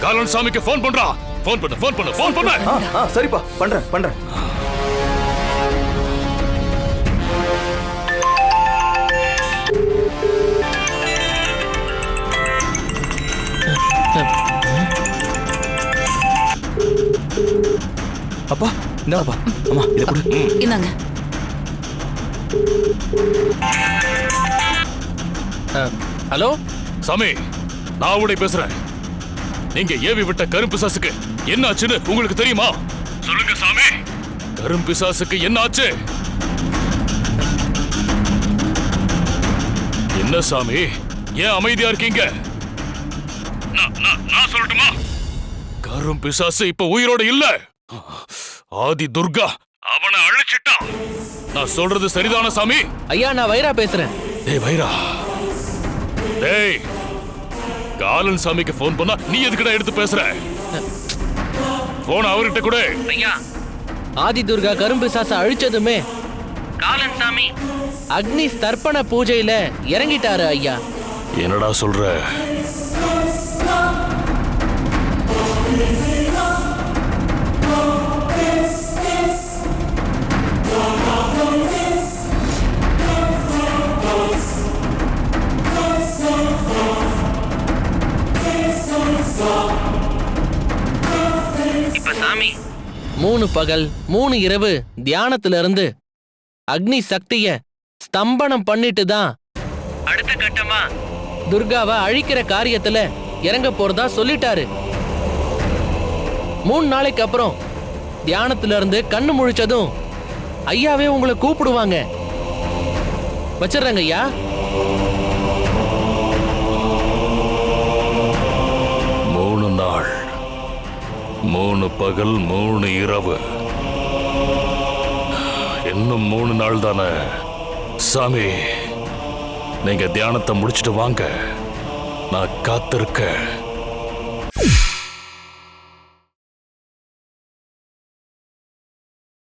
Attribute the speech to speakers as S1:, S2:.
S1: காலன் சாமிக்கு போன் பண்றா. போன் பண்ணு.
S2: சரிப்பா, பண்றேன். அப்பா, இந்தாப்பா. அம்மா, இத கொடு.
S3: இந்தாங்க.
S4: ஹலோ
S1: சாமி, நான் உடைய பேசுறேன். நீங்க ஏவி விட்ட கரும்பிசாசுக்கு என்ன ஆச்சுன்னு உங்களுக்கு தெரியுமா? சொல்லுங்க சாமி, கரும்பிசாசுக்கு என்ன ஆச்சு? என்ன சாமி, ஏன் அமைதியா இருக்கீங்க? நான் சொல்லட்டுமா? கரும்பிசாசு இப்ப உயிரோட இல்ல. ஆதி துர்கா அவனை அழிச்சிட்டான். நான் சொல்றது சரிதான சாமி?
S4: ஐயா, நான் வைரா பேசுறேன்.
S1: டேய் வைரா, டேய், காலன் சாமிக்கு போன் பண்ணா நீ எதுக்குடா எடுத்து பேசுற? போன் அவர்கிட்ட கூட.
S4: ஐயா, ஆதி துர்கா கரும்பிசாச அழிச்சதுமே காலன் சாமி அக்னி தர்ப்பண பூஜையில இறங்கிட்டாரு ஐயா.
S1: என்னடா சொல்ற?
S4: இப்ப சாமி 3 பகல் 3 இரவு தியானத்துல இருந்து அக்னி சக்திய ஸ்தம்பனம் பண்ணிட்டு தான் அடுத்த கட்டமா துர்காவை அழிக்கிற காரியத்துல இறங்க போறதா சொல்லிட்டாரு. 3 நாளைக்கு அப்புறம் தியானத்துல இருந்து கண்ணு முழிச்சதும் ஐயாவே உங்களை கூப்பிடுவாங்க. வச்சிடுறேங்க ஐயா.
S1: 3 நாள் 3 பகல் 3 இரவு. இன்னும் 3 நாள் தானே சாமி. நீங்க தியானத்தை முடிச்சிட்டு வாங்க, நான் காத்திருக்க.